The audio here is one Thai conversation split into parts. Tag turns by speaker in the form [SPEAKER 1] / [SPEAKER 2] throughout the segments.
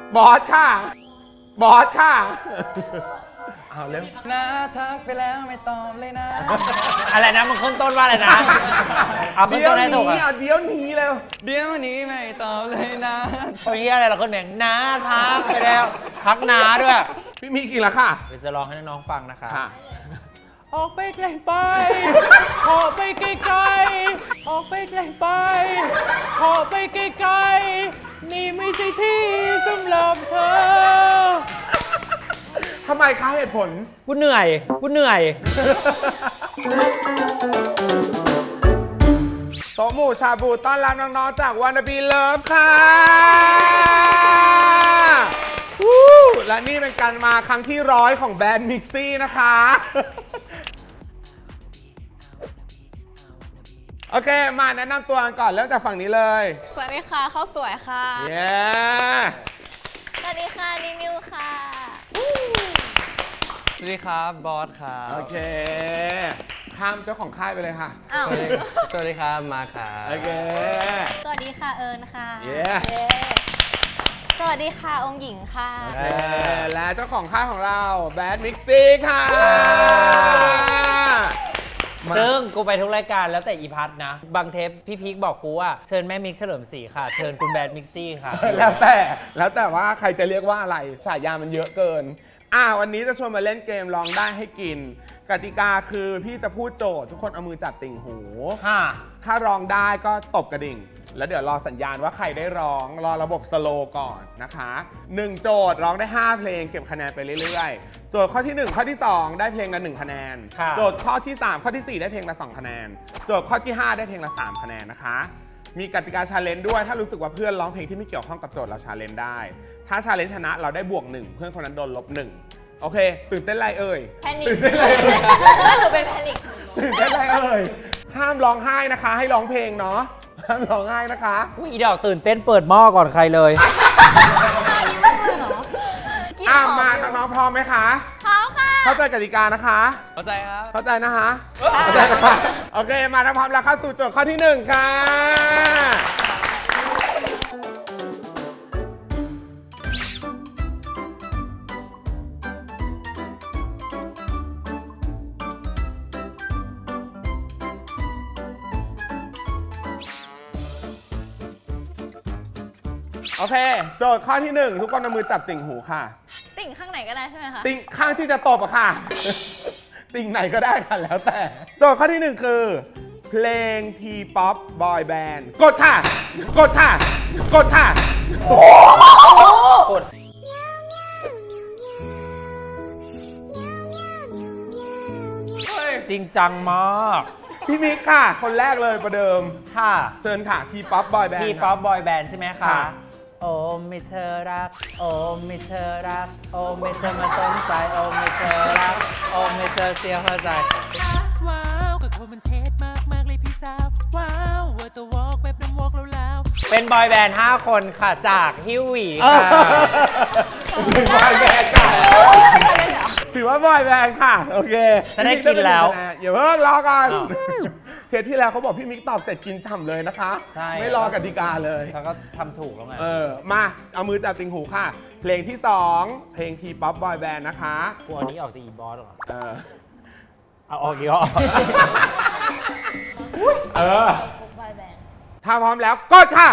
[SPEAKER 1] บอสค่ะบอสค่ะเอาเร็ว
[SPEAKER 2] นะทักไปแล้วไม่ตอบเลยนะ
[SPEAKER 3] อะไรนะมึงขึ้นต้นว่าอะไรนะเอาขึ้น
[SPEAKER 1] เดี๋ย
[SPEAKER 3] ต้
[SPEAKER 1] วน
[SPEAKER 3] ให้ถูก
[SPEAKER 1] นี้
[SPEAKER 3] อ่ะ
[SPEAKER 1] เอาเดี๋ยวนี้เร็ว
[SPEAKER 2] เดี๋ยวนี้ไม่ตอบเลยนะ
[SPEAKER 3] โอ้ยอะไรเราขึ้นเพลงน้าทักไปแล้วทักน้าด้วย
[SPEAKER 1] พี่มีกี่ละค่ะ
[SPEAKER 3] เดี๋ยวจะร้องให้น้องๆฟังนะคะ
[SPEAKER 1] ค่ะ
[SPEAKER 3] ออกไปไกลไปออกไปไกลๆออกไปไกลไปออกไปไกลๆนี่ไม่ใช่ที่สำหรับเธอ
[SPEAKER 1] ทำไมคะเหตุผล
[SPEAKER 3] กูเหนื่อยกูเหนื่อย
[SPEAKER 1] โต๊ะหมู่ชาบูต้อนรับน้องๆจากวานาบีเลิฟค่ะวู้และนี่เป็นการมาครั้งที่100ของแบรนด์มิกซี่นะคะ โอเค มาแนะนำตัวกันก่อนเริ่มจากฝั่งนี้เลย
[SPEAKER 4] สวัสดีค่ะข้าวสวยค่ะ
[SPEAKER 1] เย้
[SPEAKER 4] สวัสดีค่ะนิวค่ะ
[SPEAKER 2] สวัสดีครับบอสครับ
[SPEAKER 1] โอเค ข้ามเจ้าของค่ายไปเลยค่ะ
[SPEAKER 4] อ้าว
[SPEAKER 2] สวัสดีครับมาครับ
[SPEAKER 1] โอเค
[SPEAKER 4] สวัสดีค่ะเอิญค่ะ
[SPEAKER 1] เย้
[SPEAKER 4] สวัสดีค่ะองค์หญิงค่ะ
[SPEAKER 1] และเจ้าของค่ายของเราแบรนด์มิกซี่ค่ะ
[SPEAKER 3] ซึ่งกูไปทุกรายการแล้วแต่อีพัทนะ บางเทปพี่พีคบอกกูว่าเชิญแม่มิกเฉลิมศรีค่ะ เชิญคุณแบดมิกซี่ค่ะ
[SPEAKER 1] แล้วแต่ว่าใครจะเรียกว่าอะไรฉายามันเยอะเกิน วันนี้จะชวนมาเล่นเกมลองได้ให้กิน กติกาคือพี่จะพูดโจทย์ทุกคนเอามือจับติ่งหู ถ้าร้องได้ก็ตบกระดิ่ง แล้วเดี๋ยวรอสัญญาณว่าใครได้ร้องรอระบบสโลว์ก่อนนะคะ1โจทย์ร้องได้ 5 เพลงเก็บคะแนนไปเรื่อยๆ โจทย์ข้อที่ 1 ข้อที่ 2 ได้เพลงละ1คะแนน
[SPEAKER 3] ค่ะ
[SPEAKER 1] โจทย์ข้อที่ 3 ข้อที่ 4 ได้เพลงละ2คะแนน โจทย์ข้อที่ 5 ได้เพลงละ3คะแนนนะคะ มีกติกาชาเลนจ์ด้วยถ้ารู้สึกว่าเพื่อนร้องเพลงที่ไม่เกี่ยวข้องกับโจทย์เราชาเลนจ์ได้ ถ้าชาเลนจ์ชนะเราได้บวก1เพื่อนคนนั้นโดนลบ1โอเคตื่นเต้นไรเอ่ย
[SPEAKER 4] แพนิค
[SPEAKER 1] ตื่นเต้นไรเอ่ย
[SPEAKER 4] หนูเป็นแพนิค
[SPEAKER 1] ตื่นเต้นไรเอ่ยห้ามร้องไห้นะคะ ให้ร้องเพลงเนาะห้ามร้องไห้นะคะ
[SPEAKER 3] อุ๊ยอีดอกตื่นเต้นเปิดหม้อก่อนใครเลย
[SPEAKER 4] อันนี้ไม่เลยเหรอกินหอม
[SPEAKER 1] มา
[SPEAKER 4] อยู่
[SPEAKER 1] น้องๆพร้อมไหมคะ
[SPEAKER 4] พร้อมค่ะ
[SPEAKER 1] เข้าใจกติกานะคะ
[SPEAKER 2] เข้าใจครับ
[SPEAKER 1] เข้าใจนะคะเข้าใจนะคะโอเคมาถ้าพร้อมแล้วเข้าสู่โจทย์ข้อที่ 1 ค่ะ โอเค โจทย์ข้อที่ 1 ทุกคนเอามือจับติ่งหูค่ะ
[SPEAKER 4] ติ่งข้างไหนก็ได้ใช่ไหมคะ
[SPEAKER 1] ติ่งข้างที่จะตบอะค่ะ ติ่งไหนก็ได้ค่ะแล้วแต่ โจทย์ข้อที่ 1 คือ เพลงทีป๊อปบอยแบนด์กดค่ะ กดค่ะ กดค่ะ
[SPEAKER 3] กด จริงจังมาก
[SPEAKER 1] พี่มิกค่ะ คนแรกเลยประเดิม
[SPEAKER 3] ค่ะ
[SPEAKER 1] เชิญค่ะทีป๊อปบอยแบนด์
[SPEAKER 3] ทีป๊อปบอยแบนด์ใช่ไหมคะ
[SPEAKER 1] ค่ะ
[SPEAKER 3] โอ้ไม่เธอรัก โอ้ไม่เธอรัก โอ้ไม่เธอมาสนใจ โอ้ไม่เธอรัก โอ้ไม่เธอเสียหัวใจ
[SPEAKER 5] ว้าวกับคนมันเทสมากมากเลยพี่สาว ว้าวเวอร์ตัววอล์กแบบน้ำวอล์กแล้ว
[SPEAKER 3] เป็นบอยแบนด์ 5 คนค่ะ จากฮิวหวี
[SPEAKER 1] เออ
[SPEAKER 3] ค่ะ
[SPEAKER 1] ถือบอยแบนด์ค่ะถือว่าบอยแบนด์ค่ะ โอเค
[SPEAKER 3] จะได้กินแล้ว
[SPEAKER 1] อย่าเพิ่งรอก่อน
[SPEAKER 3] อ้าว
[SPEAKER 1] เทปที่แล้วเขาบอกพี่มิกตอบเสร็จกินฉ่ำเลยนะคะ
[SPEAKER 3] ใช่
[SPEAKER 1] ไม่รอกติกาเลย
[SPEAKER 3] ฉันก็ทำถูกแล้วไง
[SPEAKER 1] มาเอามือจับติ่งหูค่ะ เพลงที่ 2 เพลงทีป๊อปบอยแบนด์นะคะ
[SPEAKER 3] กลัวอันนี้ออกจากอีบอสหรอ
[SPEAKER 1] เออ
[SPEAKER 3] เอาออกอีกเหรอ
[SPEAKER 1] เออ
[SPEAKER 4] กรุ๊ปบอยแบนด์
[SPEAKER 1] ถ้าพร้อมแล้วกดค่ะ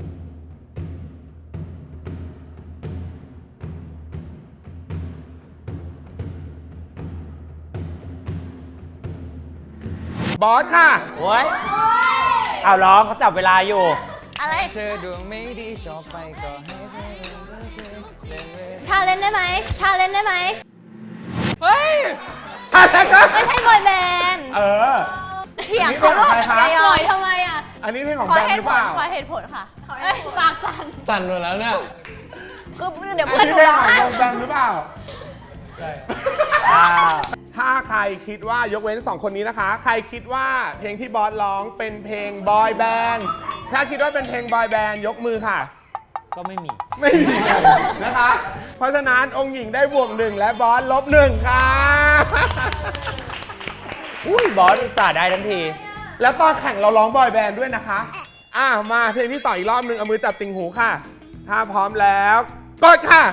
[SPEAKER 1] บอสค่ะ
[SPEAKER 3] โอ้ยเอาร้องเขาจับเวลาอยู่
[SPEAKER 4] อะไร
[SPEAKER 2] เธอดวงไม่ดีชอบไปก็ให้เธอ
[SPEAKER 4] ชาเล่นได้ไหมชาเล่นได้ไหม
[SPEAKER 1] เฮ้ยอะไรกัน
[SPEAKER 4] ไม่ใช่บอยแบนด์
[SPEAKER 1] เออ
[SPEAKER 4] เถียงเขาหรอก
[SPEAKER 1] อันนี้เป็นของใครคะ
[SPEAKER 4] อย่าหน่อยทำไมอ่ะ
[SPEAKER 1] อันนี้เพลงของ
[SPEAKER 4] ขอ
[SPEAKER 1] แบน
[SPEAKER 4] เห
[SPEAKER 1] ด์ห
[SPEAKER 4] ตุ
[SPEAKER 1] รือ
[SPEAKER 4] ผ
[SPEAKER 1] เป
[SPEAKER 4] ล
[SPEAKER 1] ล่า
[SPEAKER 4] ขอเหตุผลค่ะเอ้ยปากสั่น
[SPEAKER 2] สั่นหมดแล้วเนี่ย
[SPEAKER 4] คือเดี๋ยว
[SPEAKER 1] อั
[SPEAKER 4] เพื่อน
[SPEAKER 1] น
[SPEAKER 4] ห
[SPEAKER 1] นี้
[SPEAKER 4] นู
[SPEAKER 1] เพลง
[SPEAKER 4] ร้อง
[SPEAKER 1] ของ
[SPEAKER 4] ไห้
[SPEAKER 1] วงแบนด์หรือเปล่า
[SPEAKER 2] ใช่
[SPEAKER 1] ถ้าใครคิดว่ายกเว้น 2 คนนี้นะคะ ใครคิดว่าเพลงที่บอสร้องเป็นเพลงบอยแบนด์ถ้าคิดว่าเป็นเพลงบอยแบนด์ยกมือค่ะ
[SPEAKER 3] ก็ไม่มี
[SPEAKER 1] ไม่มีนะคะ เพราะฉะนั้นองค์หญิงได้บวก 1 และบอสลบ 1 ค่ะ
[SPEAKER 3] อุ้ยบอสจ่าได้ทันที
[SPEAKER 1] แล้วตอนแข่งเราร้องบอยแบนด์ด้วยนะคะ มาเพลงที่ต่ออีกรอบหนึ่งเอามือจับติ่งหูค่ะ ถ้าพร้อมแล้วกดค่ะ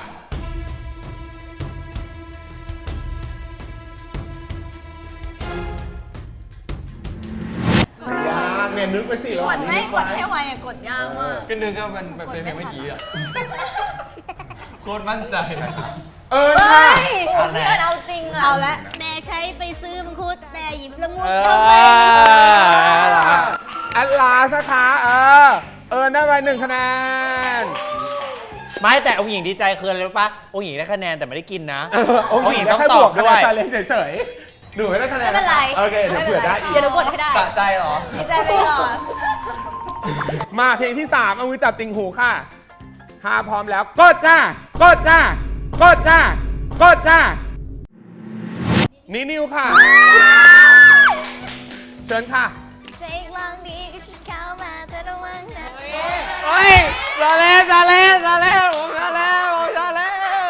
[SPEAKER 1] ยากเนี่ยนึกไปสิระห
[SPEAKER 4] ก
[SPEAKER 1] ว่าง
[SPEAKER 4] ด
[SPEAKER 1] นี้
[SPEAKER 4] ไม่
[SPEAKER 1] นึ
[SPEAKER 4] กดให้ไวอะกดยากมาก
[SPEAKER 2] ก็นึกว่ามันเป็นเพลงเมื่อกี้อ่ะ โคตรมั่นใจ
[SPEAKER 1] ค่ะ
[SPEAKER 4] เพื่อนเอาจริงอะเอาละแม่ใช้ไปซื้อมังคุดแม่หยิบละมุด
[SPEAKER 3] เอ
[SPEAKER 4] ทำไม
[SPEAKER 1] แอดลาสนะคะได้ไป1 คะแนน
[SPEAKER 3] ไม่แต่องค์หญิงดีใจคืออะไรรู้ปะองค์หญิงได้คะแนนแต่ไม่ได้กินนะ
[SPEAKER 1] องค์หญิง
[SPEAKER 3] ต้อง
[SPEAKER 1] แค่
[SPEAKER 3] ต
[SPEAKER 1] บ
[SPEAKER 3] อ
[SPEAKER 1] ว
[SPEAKER 3] บ
[SPEAKER 1] ก
[SPEAKER 3] ด้
[SPEAKER 1] ด้
[SPEAKER 3] ว
[SPEAKER 1] วย ยชาเลนจ์เฉยๆหนูไม่ได้คะแนน
[SPEAKER 4] ไม่เป็นไร
[SPEAKER 1] โอเคเดี๋ยวเผื่อได้อีก
[SPEAKER 4] เดี๋ยวหนูกดให้ได้
[SPEAKER 2] สะใจเหรอ
[SPEAKER 4] ดีใจไปก่อน
[SPEAKER 1] มาเพลงที่ 3 เอามือจับติ่งหูค่ะถ้าพร้อมแล้วกดจ้ากดจ้ากดจ้ากดจ้านิวค่ะ เชิญค่ะ
[SPEAKER 4] เจ๊ลองดีก็ฉันเข้ามาเธอระวังนะ
[SPEAKER 3] เฮ้ยซาเล่ซาเล่ซาเล่ผมซาเล่ผมซาเล่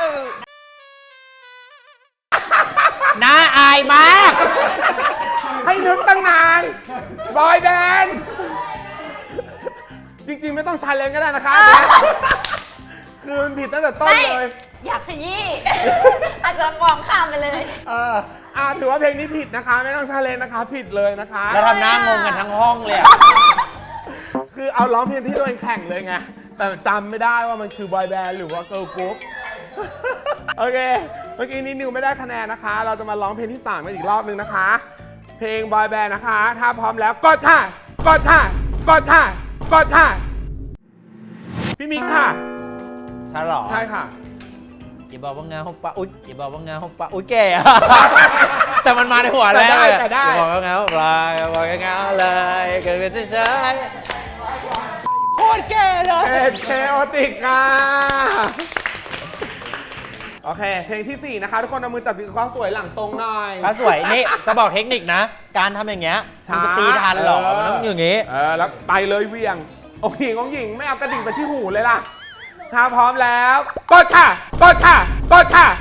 [SPEAKER 3] น่าอายมาก
[SPEAKER 1] ให้นึกตั้งนานบอยแบนด์จริงๆ ไม่ต้องชาเลนจ์ก็ได้นะคะคือมันผิดตั้งแต่ต้น
[SPEAKER 4] ไม่
[SPEAKER 1] เลย
[SPEAKER 4] อยากขยี้ อาจจะมองข้ามไปเลย
[SPEAKER 1] ถือว่าเพลงนี้ผิดนะคะ ไม่ต้องชาเลนจ์นะคะ ผิดเลยนะคะ
[SPEAKER 3] แล้วทำหน้างงกันทั้งห้องเลยอะ
[SPEAKER 1] คือเอาร้องเพลงที่ตัวเองแข่งเลยไง แต่จำไม่ได้ว่ามันคือบอยแบนด์หรือว่าเกิร์ลกรุ๊ป โอเค เมื่อกี้นี้นิวไม่ได้คะแนนนะคะ เราจะมาร้องเพลงที่3กันอีกรอบนึงนะคะ เพลงบอยแบนด์นะคะ ถ้าพร้อมแล้วกดค่ะกดค่ะกดค่ะกดค่ะพี่มิกค่ะ
[SPEAKER 3] ใช่หรอ
[SPEAKER 1] ใช่ค่ะ
[SPEAKER 3] อย่าบอกว่างานหกปะอุ๊ยอย่าบอกว่างานหกปะอุ๊ยแก่อะ แต่มันมาในหัวแล้ว
[SPEAKER 1] แต่ได้
[SPEAKER 3] อย่าบอกว่างานหกปะอย่าบอกว่างานเลยเกิดเป็นเฉยๆโคตรแก่เลย
[SPEAKER 1] เป็นเคโอติกค่ะ โอเค เพลงที่ 4 นะคะ ทุกคนเอามือจับที่ความสวยหลังตรงหน่อย
[SPEAKER 3] ถ้าสวยนี่จะบอกเทคนิคนะ การทำอย่างเงี้ยมันจะตีทันเหรอมันต้องอย่างงี้
[SPEAKER 1] แล้วไปเลยเวียงองหญิงไม่เอากระดิ่งไปที่หูเลยล่ะ ถ้าพร้อมแล้วกดค่ะกดค่ะกดค่ะ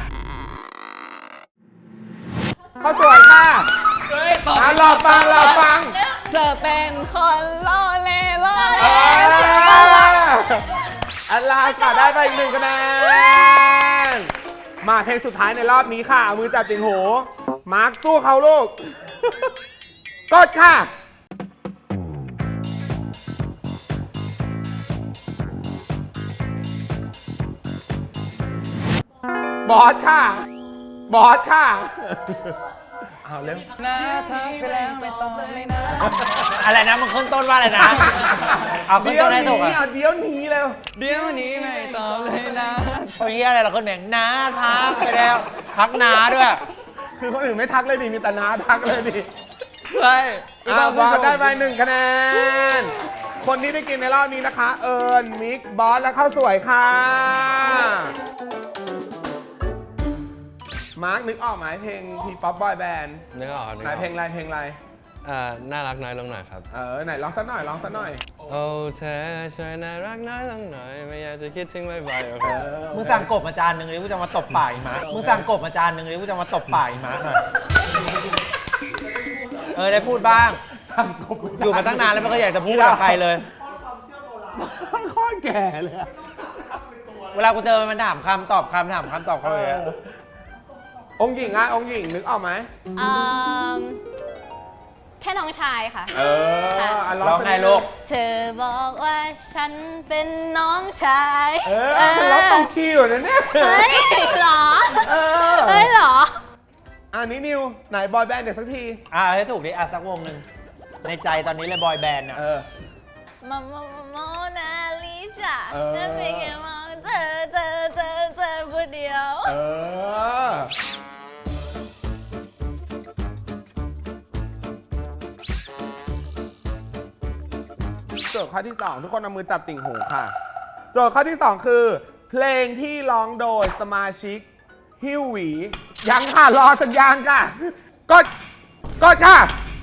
[SPEAKER 1] ข้าวสวยค่ะรอฟัง
[SPEAKER 4] เธอเป็นคนล่อเล่ล่อ
[SPEAKER 1] อันลาค่ะได้ไปอีก1 คะแนน มาเพลงสุดท้ายในรอบนี้ค่ะเอามือจับติ่งหูมาร์คสู้เขาลูก กดค่ะ บอสค่ะ บอสค่ะ เอาเร็ว
[SPEAKER 2] นะทักไปแล้วไม่ต้องไม่นะ
[SPEAKER 3] อะไรนะมันขึ้นต้นว่าอะไรนะเอาขึ้น
[SPEAKER 1] เดี๋ยว
[SPEAKER 3] ต้นให้ถูก
[SPEAKER 1] นี้
[SPEAKER 3] อะ
[SPEAKER 1] เอาเดี๋ยวนี้เร็ว
[SPEAKER 2] เดี๋ยวนี้ไม่ต้องเลยนะ
[SPEAKER 3] โอ้ยอะไรเราขึ้นแบงน้าทักไปแล้วทักน้าด้วย
[SPEAKER 1] คือคนอื่นไม่ทักเลยดิมีแต่น้าทักเลยดิ
[SPEAKER 2] ใช่ไม่ต้อง
[SPEAKER 1] บอส
[SPEAKER 2] ขึ้น
[SPEAKER 1] ได้ไป1 คะแนน คนที่ได้กินในรอบนี้นะคะ เอิญมิก บอส และข้าวสวยค่ะ มาร์คนึกออกไหมเพลงทีป๊อปบอยแบนด์
[SPEAKER 2] นึกออกครับนึก
[SPEAKER 1] ไหน
[SPEAKER 2] ออก
[SPEAKER 1] เพลงอะไร
[SPEAKER 2] น่ารักน้อยลงหน่อยครับ
[SPEAKER 1] ไหนร้องสักหน่อย
[SPEAKER 2] โอ้เธอช่วยน่ารักน้อยลงหน่อย ไม่อยากจะคิดถึงบ่อยๆโอเค
[SPEAKER 3] มึงสั่งกบมาจานหนึ่งเลยกูจะมาตบปากอีกมั้ยมึงสั่งกบมาจานหนึ่งเลยกูจะมาตบปากอีกมั้ยหน่อยได้พูดบ้าง อยู่มาตั้งนานแล้วไม่เคยอยากจะพูดกับใครเลย
[SPEAKER 1] ข้อแก่เลยอะ
[SPEAKER 3] เวลากูเจอมันถามคำตอบคำถามคำตอบเขาเลยอะ
[SPEAKER 1] องค์หญิงองค์หญิงนึกออกไหม
[SPEAKER 4] แค่น้องชายค่ะ
[SPEAKER 3] ร้องไงลูก
[SPEAKER 4] เธอบอกว่าฉันเป็นน้องชาย
[SPEAKER 1] ร้องต้องคิวนะเนี่ย
[SPEAKER 4] เฮ้ยเหรอ
[SPEAKER 1] เออ
[SPEAKER 4] เฮ้ยเหรอ
[SPEAKER 1] อันนี้นิว ไหนบอยแบนด์เดี๋ยวสักที
[SPEAKER 3] ให้ถูกดิสักวงหนึ่งในใจตอนนี้เลยบอยแบนด์อะ
[SPEAKER 4] โมนาลิซา
[SPEAKER 1] เออ
[SPEAKER 4] นั่นเป็นแค่มองเธอผู้เดียว
[SPEAKER 1] โจทย์ข้อที่ 2 ทุกคนเอามือจับติ่งหูค่ะ โจทย์ข้อที่ 2 คือ เพลงที่ร้องโดยสมาชิกฮิวหวี ยังค่ะ รอสัญญาณค่ะ กดค่ะ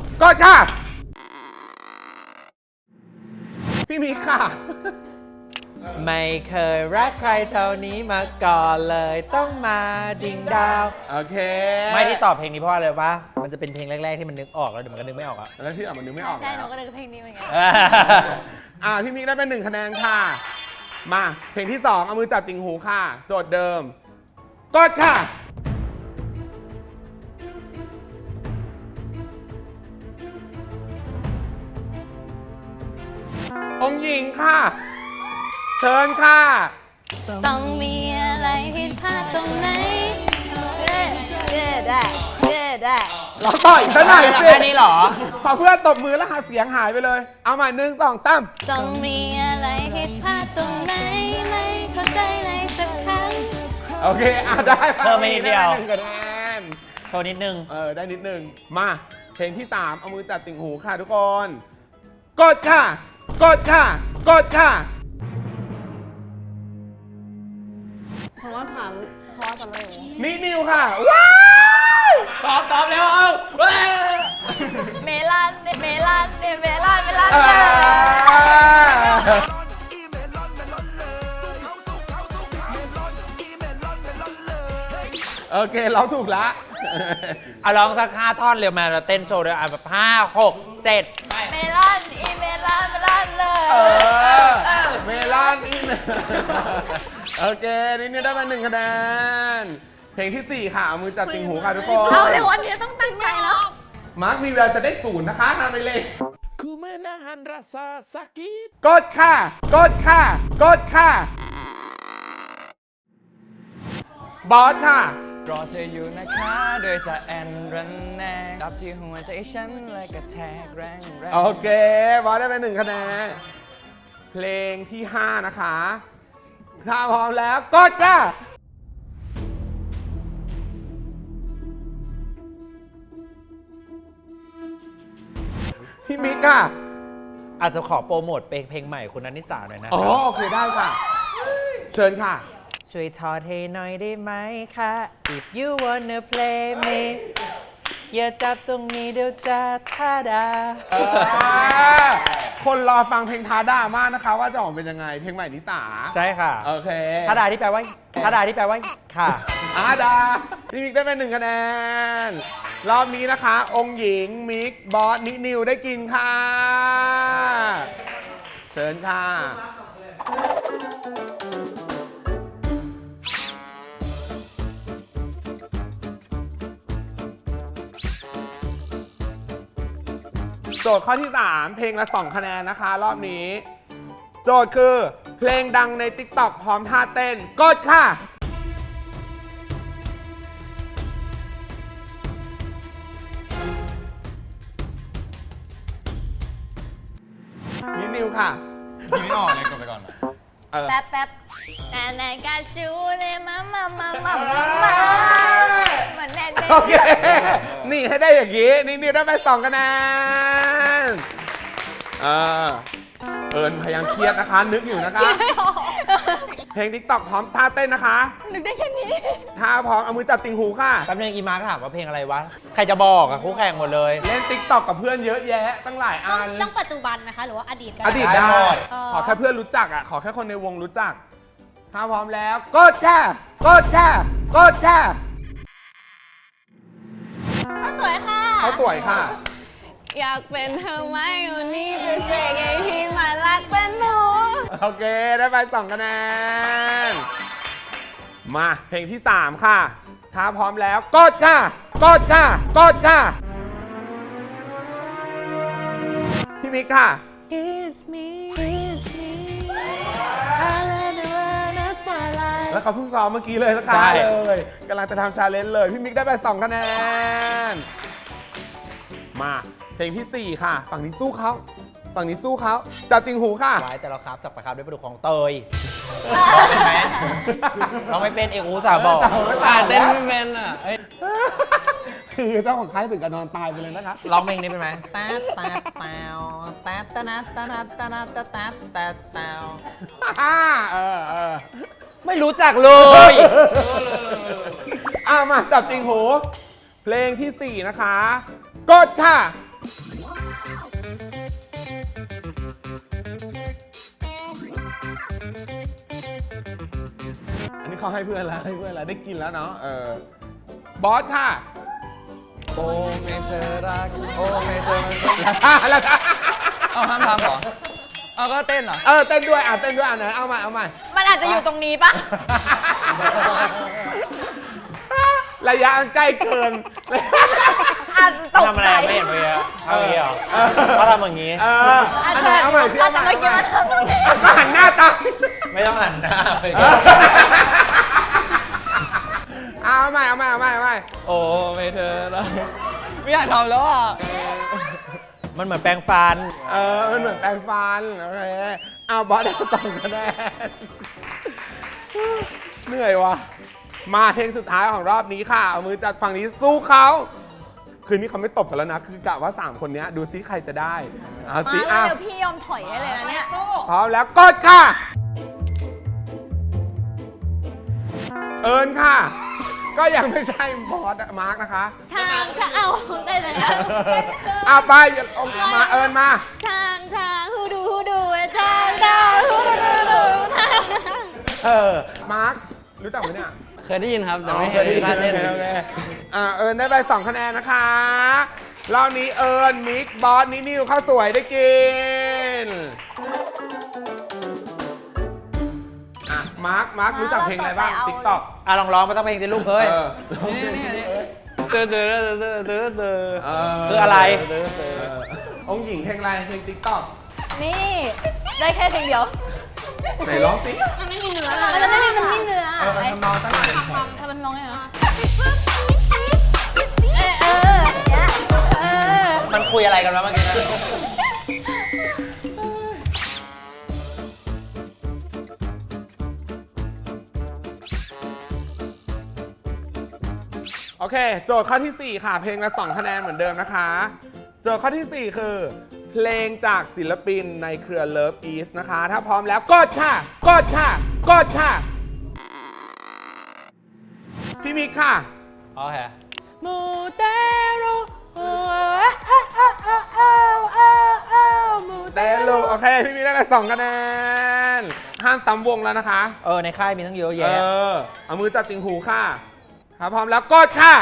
[SPEAKER 1] พี่มิกค่ะ
[SPEAKER 3] ไม่เคยรักใครเท่านี้มาก่อนเลยต้องมาดิ่งดาว
[SPEAKER 1] โอเค
[SPEAKER 3] ไม่ที่ตอบเพลงนี้เพราะอะไรวะมันจะเป็นเพลงแรกๆที่มันนึกออกแล้วเดี๋ยวมันก็นึกไม่ออกอะ
[SPEAKER 1] แล้วที่อ่ะมันนึกไม่ออก
[SPEAKER 4] ใช่หนู
[SPEAKER 1] แล้ว
[SPEAKER 4] ก็นึกเพลงนี้เหมือนกัน
[SPEAKER 1] พี่มิกได้เป็น1 คะแนนค่ะมาเพลงที่ 2 เอามือจับติ่งหูค่ะ โจทย์เดิม กดค่ะ องค์หญิงค่ะ เชิญค่ะ
[SPEAKER 4] ต้องมีอะไรผิดพลาดตรงไหนได้
[SPEAKER 1] ร้องต่ออีกสักหน่อยสิ
[SPEAKER 3] แค่นี้เหรอ
[SPEAKER 1] พอเพื่อนตบมือแล้วหาเสียงหายไปเลย เอาใหม่1 2 3
[SPEAKER 4] ต้องมีอะไรผิดพลาดตรงไหนไม่เข้าใจเลยสักครั้ง
[SPEAKER 1] โอเคได้
[SPEAKER 3] เพิ่มไปนิดเดียว
[SPEAKER 1] ไ1คะแนน
[SPEAKER 3] โชว์นิดนึง
[SPEAKER 1] ได้นิดนึง มาเพลงที่ 3 เอามือจับติ่งหูค่ะทุกคน กดค่ะ กดค่ะ กดค่ะ
[SPEAKER 6] ฉันว่าฉันเพราะว่าฉันไม่รู้
[SPEAKER 1] นินิวค่ะ ว้าว
[SPEAKER 3] ตอบแล้วเอาเว้ย
[SPEAKER 4] เมลอนเมลอนเมลอน
[SPEAKER 1] เออโอเคร้องถูกละ
[SPEAKER 3] เอาลองสัก5ท่อนเร็วมาเราเต้นโชว์ด้วยแบบ5 6 7
[SPEAKER 4] เมลอนเมลอนเลย
[SPEAKER 1] เมลอนอีเมลโอเคนี่ได้มา1 คะแนน เพลงที่ 4 ค่ะ เอามือจับติ่งหูค่ะทุกคน
[SPEAKER 4] เอาเลยวันนี้ต้องตั้งใจแล้ว
[SPEAKER 1] มาร์คมีเวลาจะได้0นะคะนำไปเลยกดค่ะ กดค่ะ กดค่ะ บอสค่ะ
[SPEAKER 2] รอเธออยู่นะคะโดยจะแอนรันแนกรับที่หัวใจฉันและกระแทกแรงแรง
[SPEAKER 1] โอเค บอสได้ไป1 คะแนน เพลงที่ 5 นะคะ ถ้าพร้อมแล้วกดค่ะ พี่มิกค่ะ
[SPEAKER 3] อาจจะขอโปรโมทเพลงใหม่คุณนันนิสาหน่อยนะ
[SPEAKER 1] อ๋อ โอเคได้ค่ะ เชิญค่ะ
[SPEAKER 3] ช่วยทอดให้หน่อยได้ไหมคะ If you wanna play me อย่าจับตรงนี้เดี๋ยวจะท่าดา
[SPEAKER 1] คนรอฟังเพลงท้าด่ามากนะคะ ว่าจะออกเป็นยังไง เพลงใหม่นิสา
[SPEAKER 3] ใช่ค่ะ
[SPEAKER 1] โอเค
[SPEAKER 3] ท่าดาที่แปลว่าท่าดาที่แปลว่าค่ะ
[SPEAKER 1] อาดา พี่มิกได้ไป1 คะแนน รอบนี้นะคะ องค์หญิง มิก บอส นินิวได้กินค่ะ เชิญค่ะ โจทย์ข้อที่ 3 เพลงละ 2 คะแนนนะคะ รอบนี้ โจทย์คือเพลงดังใน TikTok พร้อมท่าเต้น กดค่ะ นิวค่ะ
[SPEAKER 2] ทีไม่ออกเลยกดไปก่อน
[SPEAKER 4] แป๊บแน่กาชูเลยมาเหมือนแน่
[SPEAKER 1] โอเค นี่ให้ได้อย่างนี้ นิวได้ไป2 คะแนน เอิญพยายามเครียดนะคะ นึกอยู่นะคะ เพลง TikTok พร้อมท่าเต้นนะคะ
[SPEAKER 4] นึกได้แค่นี้
[SPEAKER 1] ท่าพร้อมเอามือจับติ่งหูค่ะ
[SPEAKER 3] แป๊บนึงอีมาร์คถามว่าเพลงอะไรวะ ใครจะบอกอะคู่แข่งหมดเลย
[SPEAKER 1] เล่น TikTok กับเพื่อนเยอะแยะ ตั้งหลายอัน
[SPEAKER 4] ต้องปัจจุบันนะคะ หรือว่าอดีตกัน
[SPEAKER 1] อดีต
[SPEAKER 3] ได้
[SPEAKER 1] ได้
[SPEAKER 3] หมด
[SPEAKER 1] ขอแค่เพื่อนรู้จักอ่ะ ขอแค่คนในวงรู้จัก ถ้าพร้อมแล้ว กดแช่กดแช่กดแช่
[SPEAKER 4] เขาสวยค่ะ
[SPEAKER 1] เขาสวยค่ะ
[SPEAKER 6] อยากเป็นเธอไหมวันนี้จะเสกให้พี่มารักเป็นหนู
[SPEAKER 1] โอเค ได้ไป2 คะแนน มาเพลงที่ 3 ค่ะ ถ้าพร้อมแล้ว กดค่ะกดค่ะกดค่ะ พี่มิกค่ะ
[SPEAKER 6] Kiss me Kiss me I really wanna smile
[SPEAKER 1] แล้วเขาเพิ่งซ้อมเมื่อกี้เลยสักครั้งเลยกำลังจะทำชาเลนจ์เลย พี่มิกได้ไป2 คะแนน มาเพลงที่ 4 ค่ะ ฝั่งนี้สู้เขาฝั่งนี้สู้เขาจับติ่งหูค่ะ
[SPEAKER 3] ไว้แต่เราครับสับประครับด้วยปลาดุกของเตยเห็นไหมเราไม่เป็นเอกอุตสาห์บอก
[SPEAKER 2] เต้นไม่เป็นอ่ะเอ้ย
[SPEAKER 1] คือเจ้าของค่ายถึงกับนอนตายไปเลยนะคะ
[SPEAKER 3] ร้องเพลงนี้เป็นไหมแต๊ดแต๊ดแต๊วแต๊ดแต๊ดแต๊ดแต๊ดแต๊ดแต๊ดแต๊ดแต๊ว ไม่รู้จักเลย
[SPEAKER 1] มาจับติ่งหู เพลงที่ 4 นะคะ กดค่ะ อันนี้เขาให้เพื่อนแล้วให้เพื่อนแล้วได้กินแล้วเนาะบอสค่ะ
[SPEAKER 2] โอ้ไม่เธอรัก โอ้ไม่เธอมัน
[SPEAKER 1] แล้วค่ะ
[SPEAKER 2] เอาห้ามทำเหรอเอาก็เต้นเหรอ
[SPEAKER 1] เต้นด้วยเต้นด้วยไหนเอาใหม่
[SPEAKER 4] มันอาจจะอยู่ตรงนี้ปะ
[SPEAKER 1] ระยะมันใกล้เกิน
[SPEAKER 4] อาจจะตก
[SPEAKER 3] ทำอะไร
[SPEAKER 4] ใจ
[SPEAKER 3] ไม่เห็นเลยอะทำอย่างนี้เหรอเขาทำอย่างนี้
[SPEAKER 4] อาจจะ
[SPEAKER 1] เอาใหม่ที่
[SPEAKER 4] อาจจะเมื่อกี้มันทำตรงนี้
[SPEAKER 1] ก็หันหน้าตาม
[SPEAKER 3] ไม่ต้องหันหน้าไป
[SPEAKER 1] เอาใหม่
[SPEAKER 2] โอ้ไม่เธอแล้วไม่อยากทำแล้วอ่ะ
[SPEAKER 3] มันเหมือนแปรงฟัน
[SPEAKER 1] มันเหมือนแปรงฟันโอเคเอาบอสได้2 คะแนนเหนื่อยวะมาเพลงสุดท้ายของรอบนี้ค่ะเอามือจัดฝั่งนี้สู้เขาคืนนี้เขาไม่ตบกันแล้วนะคือกะว่า3 คนนี้ดูซิใครจะได้เอา
[SPEAKER 4] มา
[SPEAKER 1] ซิ
[SPEAKER 4] แล้ว
[SPEAKER 1] อ่ะ
[SPEAKER 4] เดี๋ยวพี่ยอมถอยให้เลยนะเนี่ย
[SPEAKER 1] พร้อมแล้วกดค่ะ เอิญค่ะ ก็ยังไม่ใช่บอสมาร์กนะคะ
[SPEAKER 4] ทางเอาได้เลย
[SPEAKER 1] ไปมาเอิญมา
[SPEAKER 4] ทางฮูดูทางฮูดู
[SPEAKER 1] มาร์กรู้จักไหมเนี่ย
[SPEAKER 2] เคยได้ยินครับแต่
[SPEAKER 1] อ๋อ
[SPEAKER 2] ไม่
[SPEAKER 1] เค
[SPEAKER 2] เค
[SPEAKER 1] ย
[SPEAKER 2] ย
[SPEAKER 1] ได้
[SPEAKER 2] ได้
[SPEAKER 1] ยิน
[SPEAKER 2] เล่น
[SPEAKER 1] โอเคเอิญได้ไป2 คะแนนนะคะรอบนี้เอิญมิกบอสนิวข้าวสวยได้กินมาร์กรู้จักเพลงอะไรบ้าง TikTok
[SPEAKER 3] ลองร้องมาต้องเพลงสิลูกเอ้ย
[SPEAKER 2] เตือน
[SPEAKER 3] คืออะไร
[SPEAKER 1] องค์หญิงเพลงอะไรเพลง TikTok
[SPEAKER 4] นี่ได้แค่เพลงเดียว
[SPEAKER 1] ไหนร้องสิ
[SPEAKER 4] มันไม่มีเนื้อมันไม่มีเนื้อ
[SPEAKER 1] ทำนองตั้งแต่
[SPEAKER 4] ทำมันร้องไงเหรอ
[SPEAKER 3] มันคุยอะไรกันวะเมื่อกี้นะ
[SPEAKER 1] โอเค โจทย์ข้อที่ 4 ค่ะ เพลงละ2 คะแนนเหมือนเดิมนะคะ โจทย์ข้อที่ 4 คือ เพลงจากศิลปินในเครือ Love East นะคะ ถ้าพร้อมแล้วกดค่ะพี่มิกค่ะ
[SPEAKER 3] โอเค
[SPEAKER 4] มูเตโร
[SPEAKER 1] เตลูโอเค พี่มิกได้ไป2 คะแนน ห้ามซ้ำวงแล้วนะคะ
[SPEAKER 3] ในค่ายมีทั้งเยอะแยะ
[SPEAKER 1] เอามือจับติ่งหูค่ะ ถ้าพร้อมแล้วกดค่ะ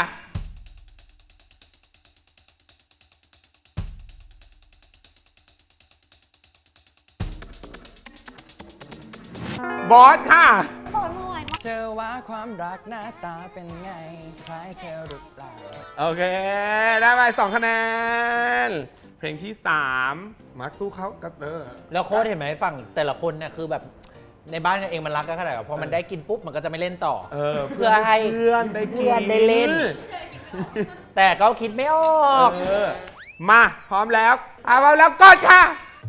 [SPEAKER 1] บอสค่ะ
[SPEAKER 2] เธอว่าความรักหน้าตาเป็นไงคล้ายเธอหรือเปล่า
[SPEAKER 1] โอเค ได้ไป2 คะแนน เพลงที่ 3 มาร์คสู้เขากับเตอร์
[SPEAKER 3] แล้วโค้ดเห็นไหมฝั่งแต่ละคนเนี่ยคือแบบในบ้านกันเองมันรักกันขนาดแบบพอมันได้กินปุ๊บมันก็จะไม่เล่นต่อ เพื่อให้
[SPEAKER 1] เพื่อนได้กิน
[SPEAKER 3] เพื่อนได้เล่น แต่ก็คิดไม่ออก
[SPEAKER 1] มาพร้อมแล้วพร้อมแล้วกดค่ะ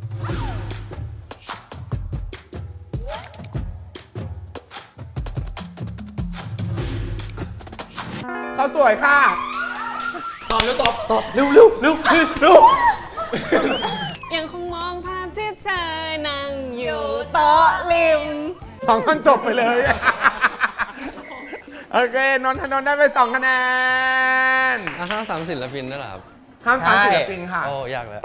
[SPEAKER 1] เขาสวยค่ะตอบเร็วตอบเร็ว
[SPEAKER 6] ยังคงมองภาพที่เธอนั่งอยู่โต๊ะริม
[SPEAKER 1] 2 ท่อนจบไปเลย โอเคนนทนนท์ได้ไป2 คะแนน
[SPEAKER 2] ห้ามสามศิลปินด้วยเหรอครับ
[SPEAKER 1] ห้ามซ้ำศิลปินค่ะ
[SPEAKER 2] โอ้ยากแล้ว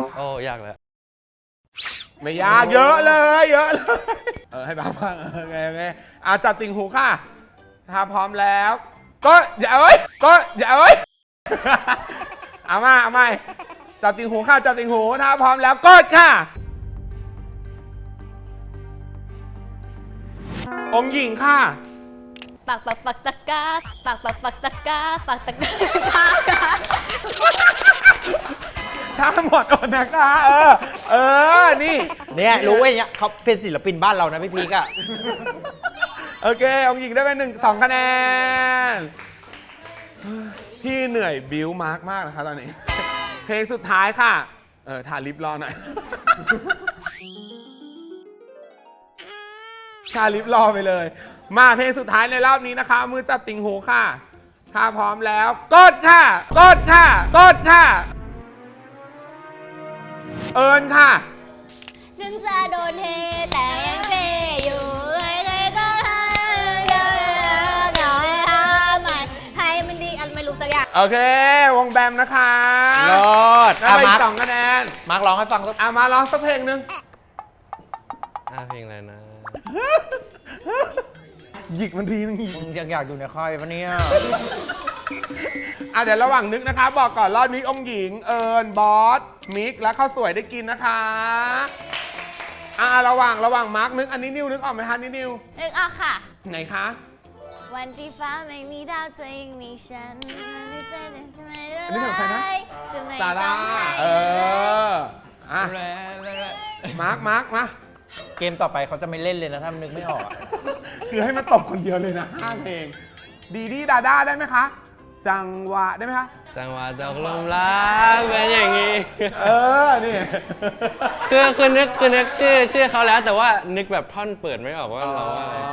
[SPEAKER 1] ไม่ยากเยอะเลย ให้บ้างโอเคจับติ่งหูค่ะ ถ้าพร้อมแล้ว ก็อย่าเอาไว้เอามาจับติ่งหูค่ะจับติ่งหูถ้าพร้อมแล้วกดค่ะ องค์หญิงค่ะ
[SPEAKER 4] ปักตะกาปักตะกา
[SPEAKER 1] ช้าหมดอดนะคะนี่
[SPEAKER 3] เนี่ยรู้ไว้เนี่ยเขาเป็นศิลปินบ้านเรานะพี่พีกอะ
[SPEAKER 1] โอเค องค์หญิงได้ไป2 คะแนน พี่เหนื่อยบิวมาร์กมากนะคะตอนนี้ เพลงสุดท้ายค่ะทาลิปรอหน่อย ทาลิปรอไปเลย มาเพลงสุดท้ายในรอบนี้นะคะ มือจับติ่งหูค่ะ ถ้าพร้อมแล้วกดค่ะ เอิญค่ะ
[SPEAKER 4] ฉันจะโดนเทแต่ยังเฟอยู่ก็ให้มันดีอันไม่รู้สักอย่าง
[SPEAKER 1] โอเค วงแบมนะคะ
[SPEAKER 3] รอด
[SPEAKER 1] ได้ไป
[SPEAKER 3] มาร์ค
[SPEAKER 1] 2 คะแนน
[SPEAKER 3] มาร์คร้องให้ฟังสัก
[SPEAKER 1] มาร้องสักเพลงหนึง
[SPEAKER 2] เพลงอะไรนะ
[SPEAKER 1] หยิกมันทีนึงหยิก
[SPEAKER 3] มึงยังอยากอยู่ในค่ายปะเนี่ย
[SPEAKER 1] เดี๋ยวระหว่างนึกนะคะ บอกก่อนรอบนี้องค์หญิง เอิญบอส มิก และข้าวสวยได้กินนะคะระหว่างมาร์กนึกอันนี้นิวนึกออกไหมคะนี่นิว
[SPEAKER 4] นึกออกค่ะ
[SPEAKER 1] ไหนคะ
[SPEAKER 4] วันที่ฟ้าไม่มีดาวเธอยังมีฉันไม่ใจทำไม
[SPEAKER 1] อันนี้ของใครนะ
[SPEAKER 4] จะไม่
[SPEAKER 1] ซา
[SPEAKER 4] ต้
[SPEAKER 1] ร่า
[SPEAKER 4] องให้
[SPEAKER 1] มาร์กมา
[SPEAKER 3] เกมต่อไปเขาจะไม่เล่นเลยนะถ้านึกไม่ออกอะ
[SPEAKER 1] คือให้มันตบคนเดียวเลยนะ5เพลงดีดีดาด้าได้ไหมคะ จังหวะได้ไหมคะ
[SPEAKER 2] จังหวะตกลมรักเป็นอย่างนี้
[SPEAKER 1] นี่
[SPEAKER 2] คือนึกชื่อเขาแล้วแต่ว่านึกแบบท่อนเปิดไม่ออกว่าเราว่าอะไร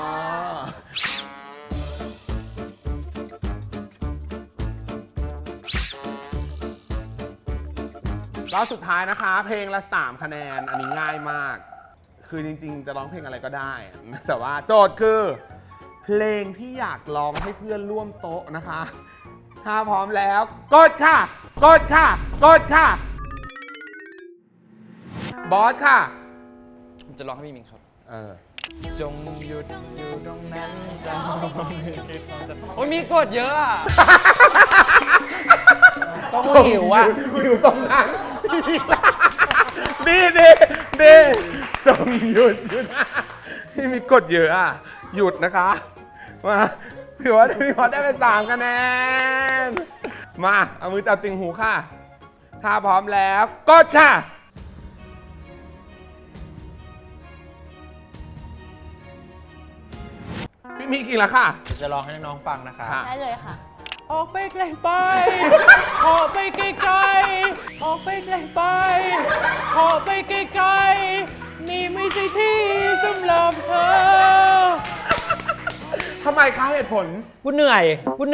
[SPEAKER 1] รอบสุดท้ายนะคะ เพลงละ3คะแนนอันนี้ง่ายมาก คือจริงๆจะร้องเพลงอะไรก็ได้ แต่ว่าโจทย์คือ เพลงที่อยากร้องให้เพื่อนร่วมโต๊ะนะคะ ถ้าพร้อมแล้วกดค่ะกดค่ะบอสค่ะ
[SPEAKER 2] จะร้องให้พี่มิงครับ
[SPEAKER 3] จงหยุดอยู่ตรงนั้นจะ
[SPEAKER 2] โอ้ยมีกดเยอะอ่ะ
[SPEAKER 3] ต้องหิวอ่ะ
[SPEAKER 1] อยู่ตรงนั้นดีจงหยุดที่มีกดเยอะอ่ะ หยุดนะคะมาถือว่าพี่พอได้ไป3คะแนนมาเอามือจับติ่งหูค่ะถ้าพร้อมแล้วกดค่ะพี่มีกี่ละค่ะ
[SPEAKER 3] จะลองให้น้องๆฟังนะคะ
[SPEAKER 1] ค่ะ
[SPEAKER 4] ได้เลยค่ะ
[SPEAKER 3] ออกไปไกลไป ออกไปไกลๆออกไปไกลไป ออกไปไกลๆนี่ไม่ใช่ที่สำหรับเธอ
[SPEAKER 1] ทำไมคะเหตุผล
[SPEAKER 3] กูเหนื่อย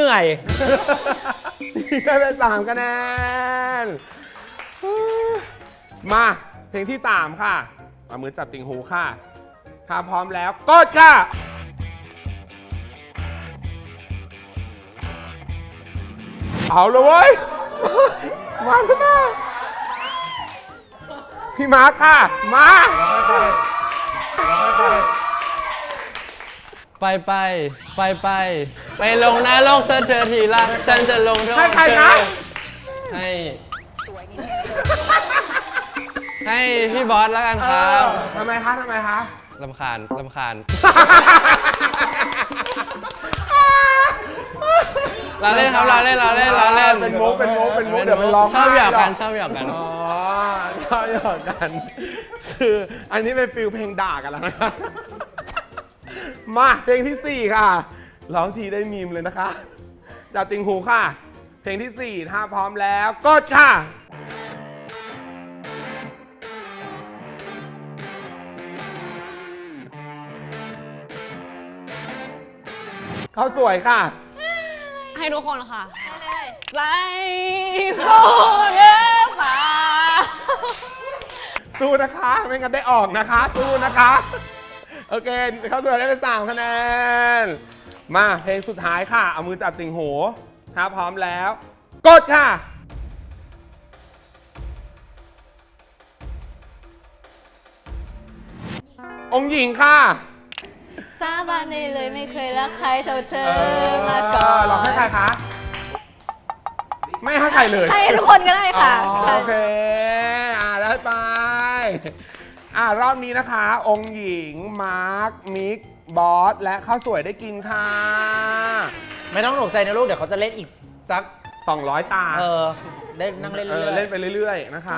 [SPEAKER 1] ได้ไป3คะแนน มาเพลงที่ 3 ค่ะเอามือจับติ่งหูค่ะถ้าพร้อมแล้วกดค่ะ เอาเลยเว้ย มาพี่มาร์คค่ะ มา
[SPEAKER 2] ไปลงหน้าโลกซะเธอทีละฉันจะลงโทษ
[SPEAKER 1] ให้ใคร
[SPEAKER 2] เธ
[SPEAKER 1] นะ
[SPEAKER 2] อให้พี่บอสแล้วกันครับ
[SPEAKER 1] ทำไมคะ
[SPEAKER 2] ลำคาญ เราเล่นครับเราเล่น
[SPEAKER 1] เป็นมุกเดี๋ยวมันร้อง
[SPEAKER 2] ชอบหยอกกัน
[SPEAKER 1] ไห้หรอ๋อชอบหยอกกัน คืออันนี้เป็นฟิลเพลงด่ากันแล้วนะคะมาเพลงที่ 4 ค่ะ ร้องทีได้มีมเลยนะคะจับติ่งหูค่ะ เพลงที่ 4 ถ้าพร้อมแล้วกดค่ะ เขาสวยค่ะ
[SPEAKER 6] ให้ทุกคนค่ะ ใจสู้เด้อป่า
[SPEAKER 1] สู้นะคะ ไม่งั้นได้ออกนะคะ สู้นะคะ โอเค เขาสวยได้ไป3คะแนน มาเพลงสุดท้ายค่ะ เอามือจับติ่งหูถ้าพร้อมแล้ว กดค่ะ องค์หญิงค่ะ
[SPEAKER 4] สาบานได้เลยไม่เคยรักใครเท่าเธอมาก่อน
[SPEAKER 1] ร้องให้ใครคะ ไม่ให้ใครเลย
[SPEAKER 4] ให้ทุกคนก็ได้ค่ะ
[SPEAKER 1] อ๋อโอเค ได้ไป รอบนี้นะคะ องค์หญิง มาร์ค มิก บอส และข้าวสวยได้กินค่ะ
[SPEAKER 3] ไม่ต้องตกใจนะลูก เดี๋ยวเขาจะเล่นอีกสัก
[SPEAKER 1] 200 ตา
[SPEAKER 3] ได้นั่งเล่น
[SPEAKER 1] เล่นไปเรื่อยๆ นะคะ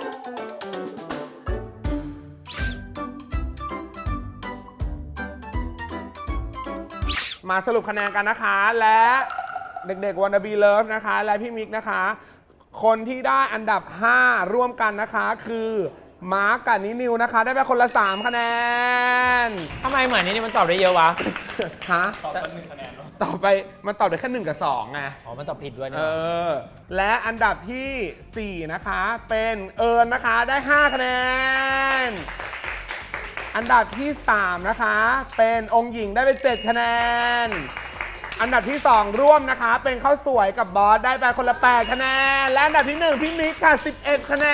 [SPEAKER 1] มาสรุปคะแนนกันนะคะ และเด็กๆ Wanna Be Love นะคะ และพี่มิกนะคะ คนที่ได้อันดับ 5 ร่วมกันนะคะ คือมาร์กกับนิวนะคะ ได้ไปคนละ 3 คะแนน
[SPEAKER 3] ทำไมเหมือนนี่มันตอบได้เยอะวะ
[SPEAKER 1] ฮะตอบไป1 คะแนนต่อไปมันตอบได้แค่1 กับ 2 ไง
[SPEAKER 3] อ๋อ มันตอบผิดด้วยนี่
[SPEAKER 1] และอันดับที่ 4 นะคะ เป็นเอิญนะคะ ได้ 5 คะแนน อันดับที่ 3 นะคะ เป็นองค์หญิงได้ไป 7 คะแนน อันดับที่ 2 ร่วมนะคะ เป็นข้าวสวยกับบอสได้ไปคนละ 8 คะแนน และอันดับที่ 1 พี่มิกค่ะ 11 คะแน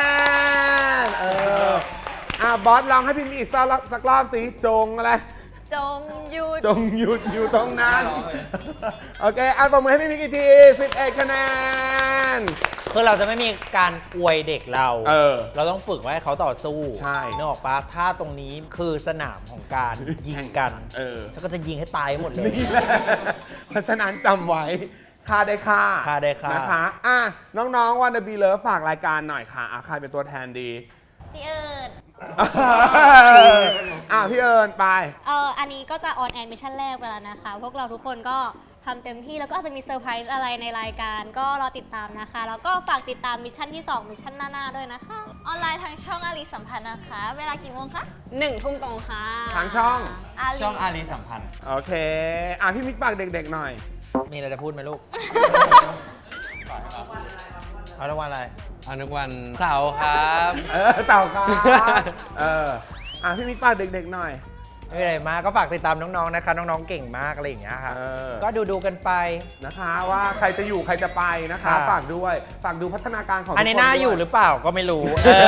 [SPEAKER 1] น บอสลองให้พี่มิกอีกสักรอบสิจงอะไร
[SPEAKER 4] จงหยุด
[SPEAKER 1] จงหยุดอยู่ตรงนั้น โอเคเอาตบมือให้พี่มิกอีกที 11 คะแนน
[SPEAKER 3] คือเราจะไม่มีการอวยเด็กเรา
[SPEAKER 1] เรา
[SPEAKER 3] ต้องฝึกไว้ให้เขาต่อสู้
[SPEAKER 1] ใช่
[SPEAKER 3] นึกออกปะถ้าตรงนี้คือสนามของการยิงกัน ฉันก็จะยิงให้ตายหมดเลย
[SPEAKER 1] นี่แหละ เพราะฉะนั้นจำไว้ค่าได้ค่า
[SPEAKER 3] ค่าได้ค่าน
[SPEAKER 1] นะคะน้องๆวันเดอร์บีเลิฟฝากรายการหน่อยค่ะใครเป็นตัวแทนดี
[SPEAKER 4] พี่เอิญ
[SPEAKER 1] พี่เอิญไป
[SPEAKER 4] อันนี้ก็จะออนแอร์มิชชั่นแรกไปแล้วนะคะ พวกเราทุกคนก็ทำเต็มที่แล้วก็อาจจะมีเซอร์ไพรส์อะไรในรายการก็รอติดตามนะคะ แล้วก็ฝากติดตามมิชชั่นที่ 2 มิชชั่นหน้าๆด้วยนะคะ
[SPEAKER 7] ออนไลน์ทางช่องอารีสัมพันธ์นะคะ เวลากี่โมงคะ
[SPEAKER 6] 1 ทุ่มตรงค่ะ
[SPEAKER 1] ทางช่อง
[SPEAKER 2] ช่องอารีสัมพันธ์
[SPEAKER 1] โอเค พี่มิกฝากเด็กๆหน่อย
[SPEAKER 3] มีอะไรจะพูดไหมลูก เอารางวัลอะไร
[SPEAKER 2] อนุวันเสาร์ครับ
[SPEAKER 1] เต่าครับพี่มิกฝากเด็กๆหน่อย
[SPEAKER 3] ไม่มีอะไรมากก็ฝากติดตามน้องๆนะคะ น้องๆเก่งมากอะไรอย่างเงี้ยค่ะ ก็ดูกันไป
[SPEAKER 1] นะคะว่าใครจะอยู่ใครจะไปนะคะ
[SPEAKER 3] ค่ะ
[SPEAKER 1] ฝากด้วยฝากดูพัฒนาการของทุกคน
[SPEAKER 3] อันนี้น่า
[SPEAKER 1] ด้วย
[SPEAKER 3] อยู่หรือเปล่าก็ไม่รู้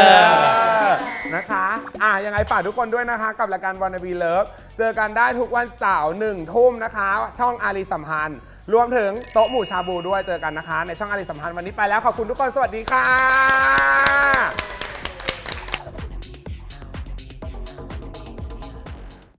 [SPEAKER 1] นะคะยังไงฝากทุกคนด้วยนะคะ กับรายการ Wanna Be Love เจอกันได้ทุกวันเสาร์1 ทุ่มนะคะ ช่องอารีสัมพันธ์รวมถึงโต๊ะหมู่ชาบูด้วยเจอกันนะคะ ในช่องอารีสัมพันธ์วันนี้ไปแล้วขอบคุณทุกคนสวัสดีค่ะ